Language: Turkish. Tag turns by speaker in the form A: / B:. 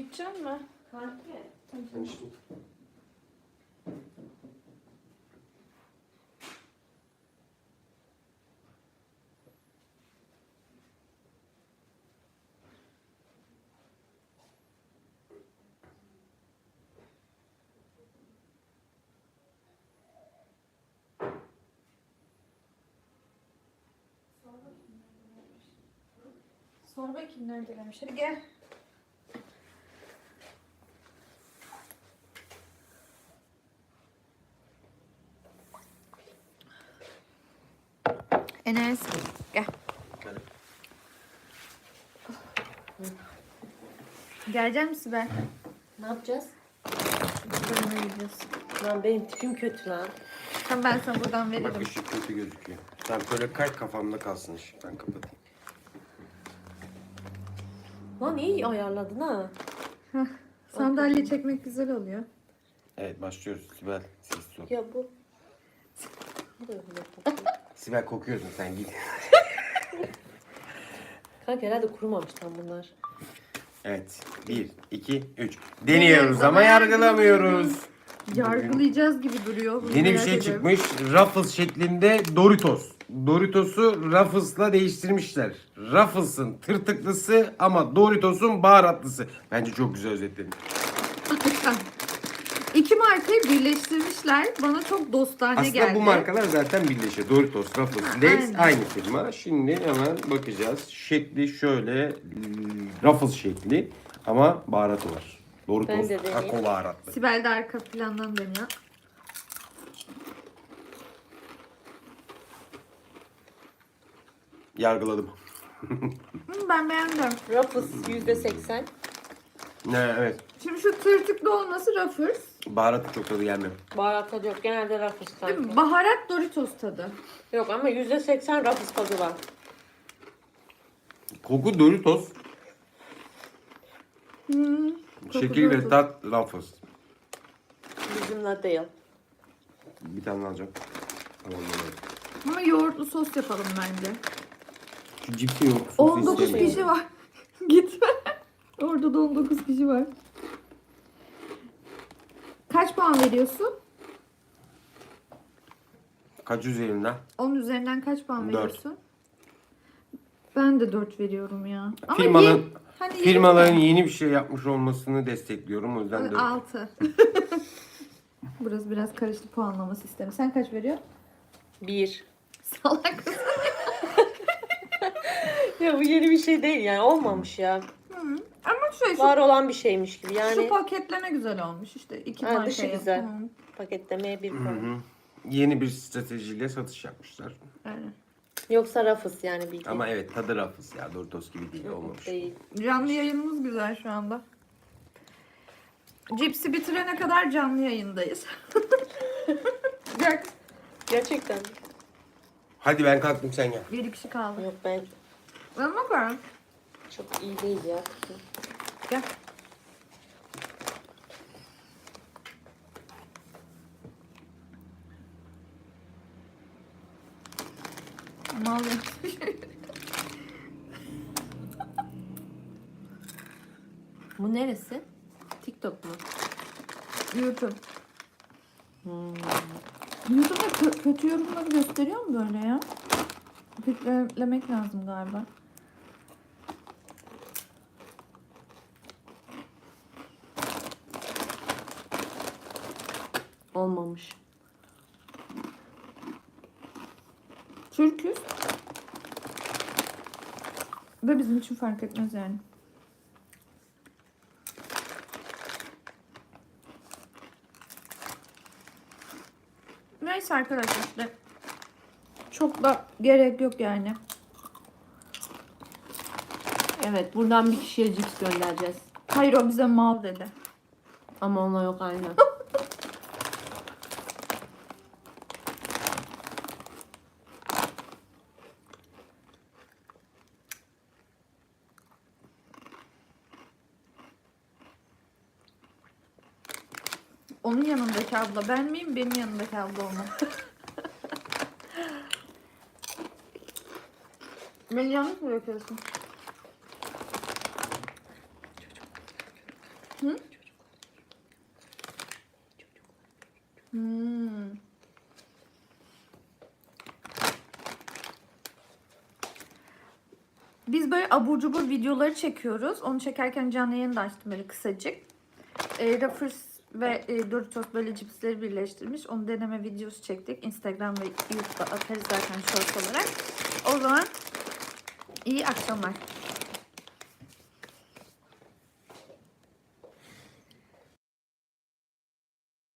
A: İçecek mi?
B: Kanki.
C: Sen içtin.
A: Sor bakayım nerede demiş. Hadi gel. Enes gel.
C: Hadi.
A: Gelecek misin ben?
B: Ne yapacağız?
A: Bölüme gideceğiz.
B: Lan benim tipim kötü lan.
A: Tamam ben sana buradan
C: Bak
A: veririm.
C: ışık kötü gözüküyor. Sen böyle kay kafamda kalsın ışık. Ben kapatayım.
B: Lan iyi ayarladın ha.
A: Sandalye çekmek güzel oluyor.
C: Evet başlıyoruz. Sibel ses yok.
B: Ya bu. Bu da öyle.
C: Sibel kokuyorsun sen git.
B: Kanka herhalde kurumamış tam bunlar.
C: Evet. 1, 2, 3. Deniyoruz ama yargılamıyoruz.
A: Yargılayacağız gibi duruyor. Bunu
C: Yeni bir
A: merak
C: şey
A: ediyorum.
C: çıkmış. Ruffles şeklinde Doritos. Doritos'u Ruffles'la değiştirmişler. Ruffles'ın tırtıklısı ama Doritos'un baharatlısı. Bence çok güzel özetledim.
A: İki markayı birleştirmişler. Bana çok dostane
C: Aslında
A: geldi.
C: bu markalar zaten birleşiyor. Doritos, Ruffles, Lay's
A: aynen.
C: aynı firma. Şimdi hemen bakacağız. Şekli şöyle Ruffles şekli ama baharatı var.
B: Ben
C: Doritos
B: de deneyeyim.
C: kakao baharatlı.
A: Sibel de arka plandan dönüyor.
C: Yargıladım.
A: Ben beğendim.
B: Ruffles %80.
C: Ne evet.
A: Şimdi şu tırtıklı olması Ruffles.
C: Baharatı çok tadı gelmiyor.
B: Baharat tadı yok. Genelde Ruffles
A: Değil mi?
B: kanka.
A: Baharat Doritos tadı.
B: Yok ama %80 Ruffles tadı var.
C: Koku Doritos.
A: Koku
C: Şekil ve
A: Doritos.
C: tat Ruffles.
B: Bizimle değil.
C: Bir tane alacağım. Tamam, evet.
A: Ama yoğurtlu sos yapalım bence.
C: Şu cipsi yok. sosu
A: 19
C: istemiyorum.
A: kişi var. Gitme. Orada da 19 kişi var. Kaç puan veriyorsun?
C: Kaç üzerinden?
A: 10 üzerinden kaç puan
C: 4.
A: veriyorsun? Ben de 4 veriyorum ya. Ama
C: Firmanın,
A: hani
C: firmaların yeni bir şey yapmış olmasını destekliyorum. O yüzden 4.
A: 6. Burası biraz karıştı puanlama sistemi. Sen kaç veriyorsun?
B: 1.
A: Salak.
B: Ya bu yeni bir şey değil yani. Olmamış ya.
A: Ama şu
B: Var olan bir şeymiş gibi. Yani
A: şu paketleme güzel olmuş işte. 2
B: Ha,
A: marka
B: dışı
A: yaptı.
B: güzel.
A: Hı,
B: paketlemeye 1
C: Hı
B: puan.
C: hı. Yeni bir stratejiyle satış yapmışlar.
A: Aynen.
B: Yoksa Ruffles yani bildiğin.
C: Ama evet tadı Ruffles ya. Doritos gibi değil olmamış.
B: Değil.
A: Canlı yayınımız güzel şu anda. Cipsi bitirene kadar canlı yayındayız. Gel.
B: Gerçekten.
C: Hadi ben kalktım sen gel.
A: 7 kişi kaldı.
B: Yok ben
A: Ama ben.
B: çok iyi değil ya.
A: Gel. Ne oluyor?
B: Bu neresi? TikTok mu?
A: YouTube. YouTube'da kötü yorumları gösteriyor mu böyle ya? Filtrelemek lazım galiba.
B: Olmamış.
A: Türküz. Ve bizim için fark etmez yani. Neyse arkadaşlar işte. Çok da gerek yok yani.
B: Evet buradan bir kişiye cips göndereceğiz.
A: Hayır o bize mal dedi.
B: Ama ona yok aynen.
A: Onun yanındaki abla ben miyim? Benim yanındaki abla onu. Beni yanlış mı bırakıyorsun? Biz böyle abur cubur videoları çekiyoruz. Onu çekerken canlı yayını da açtım böyle kısacık. Ruffles ve Doritos böyle cipsleri birleştirmiş. Onu deneme videosu çektik. Instagram ve YouTube'da atarız zaten short olarak. O zaman iyi akşamlar.